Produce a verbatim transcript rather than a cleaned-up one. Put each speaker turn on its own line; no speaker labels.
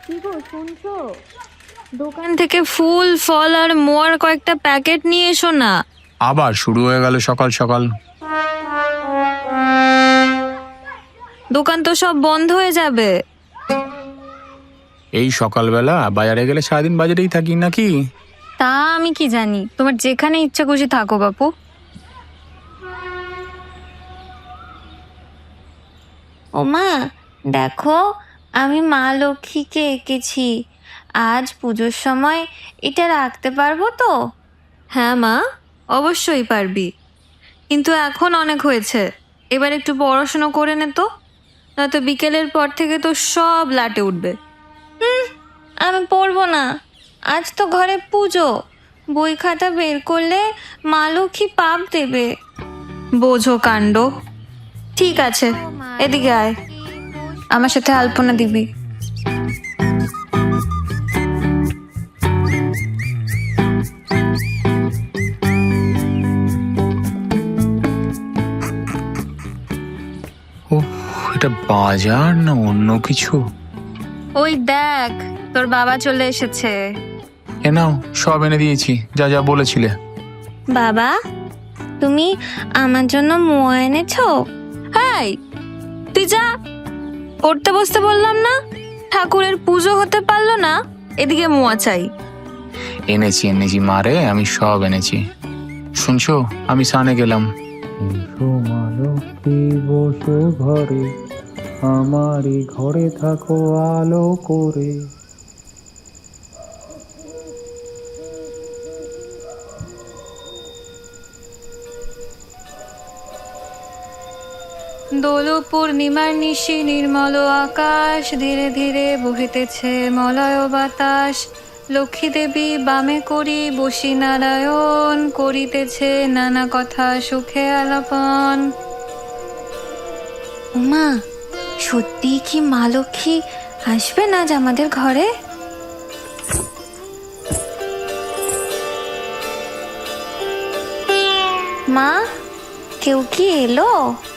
কি গো শুনছো? দোকান থেকে ফুল ফল আর মোয়ার কয়েকটা প্যাকেট নিয়ে এসো না।
আবার শুরু হয়ে গেল সকাল সকাল।
দোকান তো সব বন্ধ হয়ে যাবে।
এই সকালবেলা বাজারে গেলে সারাদিন বাজারেই থাকি নাকি?
তা আমি কি জানি, তোমার যেখানে ইচ্ছা খুশি থাকো বাপু।
ওমা, দেখো আমি মা লক্ষ্মীকে এঁকেছি। আজ পুজোর সময় এটা রাখতে পারবো তো?
হ্যাঁ মা, অবশ্যই পারবি, কিন্তু এখন অনেক হয়েছে, এবার একটু পড়াশুনো করে নে তো, নয়তো বিকেলের পর থেকে তো সব লাটে উঠবে।
আমি পড়বো না, আজ তো ঘরে পুজো। বই খাতা বের করলে মা লক্ষ্মী পাপ দেবে।
বোঝো কাণ্ড। ঠিক আছে, এদিকে আয়, আমার সাথে আলপনা দিবি।
ও, এটা বাজার না অন্য কিছু?
ওই দেখ, তোর বাবা চলে এসেছে।
এ নাও, সব এনে দিয়েছি যা যা বলেছিলে।
বাবা, তুমি আমার জন্য মোয়া এনেছো?
হাই, তুই যা, পড়তে বসতে বললাম না? ঠাকুরের পুজো হতে পারলো না, এদিকে মোয়া চাই।
এনেছি এনেছি মারে, আমি সব এনেছি। শুনছো, আমি সানে গেলাম।
এসো মা লক্ষ্মী বসো ঘরে, আমারই ঘরে থাকো আলো করে।
দোল পূর্ণিমার নিশি নির্মল আকাশ, ধীরে ধীরে বহিতেছে মলয় বাতাস। লক্ষ্মী দেবী বামে করি বসি নারায়ণ, করিতেছে নানা কথা সুখে আলাপন।
ওমা, সত্যি কি মা লক্ষ্মী আসবেন আজ আমাদের ঘরে? মা, কেউ কি এলো?